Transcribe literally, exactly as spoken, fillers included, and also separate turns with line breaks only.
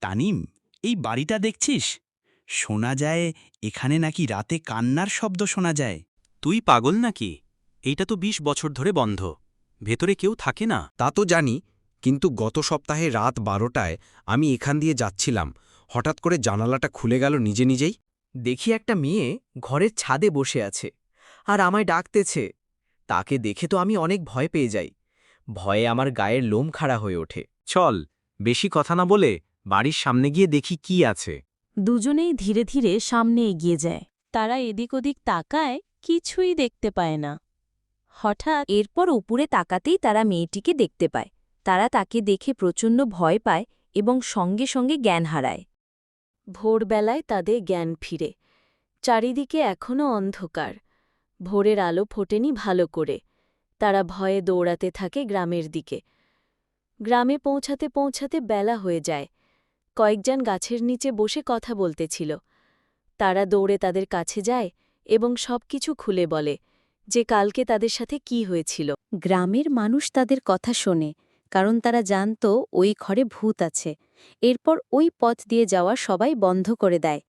তানিম, এই বাড়িটা দেখছিস? শোনা যায় এখানে নাকি রাতে কান্নার শব্দ শোনা যায়।
তুই পাগল নাকি? এইটা তো বিশ বছর ধরে বন্ধ। ভেতরে কেউ থাকে না।
তা তো জানি, কিন্তু গত সপ্তাহে রাত বারোটায় আমি এখান দিয়ে যাচ্ছিলাম, হঠাৎ করে জানালাটা খুলে গেল নিজে নিজেই।
দেখি একটা মেয়ে ঘরের ছাদে বসে আছে আর আমায় ডাকতেছে। তাকে দেখে তো আমি অনেক ভয় পেয়ে যাই। ভয়ে আমার গায়ের লোম খাড়া হয়ে ওঠে।
চল, বেশি কথা না বলে বাড়ির সামনে গিয়ে দেখি কি আছে।
দুজনেই ধীরে ধীরে সামনে এগিয়ে যায়। তারা এদিক ওদিক তাকায়, কিছুই দেখতে পায় না। হঠাৎ
এরপর উপরে তাকাতেই তারা মেয়েটিকে দেখতে পায়। তারা তাকে দেখে প্রচণ্ড ভয় পায় এবং সঙ্গে সঙ্গে জ্ঞান হারায়।
ভোরবেলায় তাদের জ্ঞান ফিরে। চারিদিকে এখনও অন্ধকার। ভোরের আলো ফোটেনি ভালো করে। তারা ভয়ে দৌড়াতে থাকে গ্রামের দিকে। গ্রামে পৌঁছাতে পৌঁছাতে বেলা হয়ে যায়। কয়েকজন গাছের নিচে বসে কথা বলতেছিল। তারা দৌড়ে তাদের কাছে যায় এবং সবকিছু খুলে বলে যে কালকে তাদের সাথে কি হয়েছিল।
গ্রামের মানুষ তাদের কথা শোনে, কারণ তারা জানত ওই ঘরে ভূত আছে। এরপর ওই পথ দিয়ে যাওয়া সবাই বন্ধ করে দেয়।